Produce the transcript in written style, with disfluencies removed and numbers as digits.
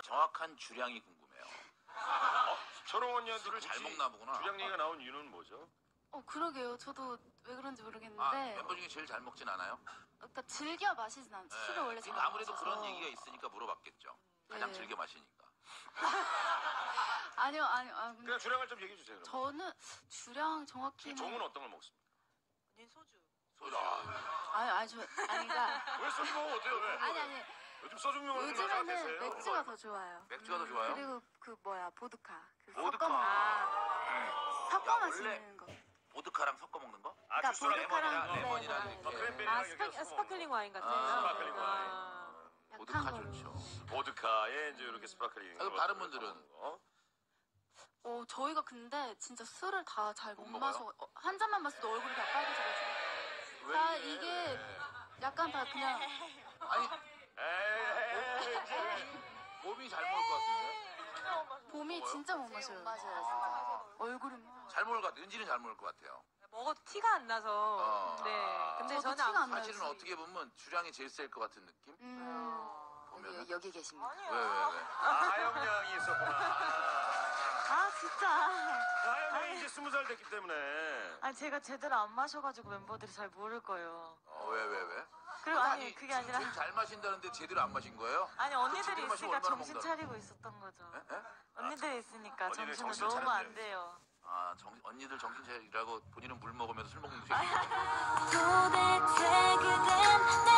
정확한 주량이 궁금해요. 철옹 언니한테 술을 잘 먹나 보구나. 주량 얘기가 나온 이유는 뭐죠? 그러게요. 저도 왜 그런지 모르겠는데. 아, 멤버 중에 제일 잘 먹진 않아요? 그러니까 즐겨 마시진 않죠. 네. 술을 원래 잘 그러니까 아무래도 마셔서. 그런 얘기가 있으니까 물어봤겠죠. 가장 네. 즐겨 마시니까. 아니요. 근데 그냥 주량을 좀 얘기해 주세요. 저는 주량 정확히는. 종은 어떤 걸 먹습니까? 언니 소주. 소주. 아니가. 왜 소주 먹으면 어때요? 왜? 아니. 요즘 소주 먹는 요즘에는 맥주가 더 좋아요. 맥주가 더 좋아요? 그리고 보드카. 보드카. 섞어 야, 마시는 거. 보드카랑 섞어 먹는 거? 아, 그러니까 주스랑 보드카랑 레몬이랑 네. 이렇게. 크랜베리랑 이렇게 섞어 스파클링 와인 같은 아, 스파클링 거. 와인. 보드카 약한 걸로. 좋죠. 보드카에 이제 이렇게 스파클링. 그럼 다른 분들은? 저희가 근데 진짜 술을 다 잘 못 못 마셔. 한 잔만 마셔도 얼굴이 다 빨개져가지고. 다 이게 약간 다 그냥. 아니, 에이, 몸이 잘 먹을 것 같은데? 봄이 진짜 못 마셔요. 맞아요, 진짜. 얼굴이 잘 먹을 것 같아요. 은지는 잘 먹을 것 같아요. 먹어도 티가 안 나서. 네. 근데 저도 저는 티가 안 나요. 사실은 어떻게 보면 주량이 제일 셀 것 같은 느낌? 보면은. 여기 계십니다. 왜? 하영 양이 있었구나. 진짜. 하영 양이 이제 20살 됐기 때문에. 아니 제가 제대로 안 마셔가지고 멤버들이 잘 모를 거예요. 왜? 그리고 아니 그게 아니라 지금 잘 마신다는데 제대로 안 마신 거예요? 아니 언니들이 제대로 마시면 있으니까 얼마나 정신 먹는다. 차리고 있었던 거죠. 에? 언니들이 있으니까 언니들 정신을 정신 놓으면 차려야 안 돼요. 언니들 정신 차리라고 본인은 물 먹으면서 술 먹는 거 도대체 그댄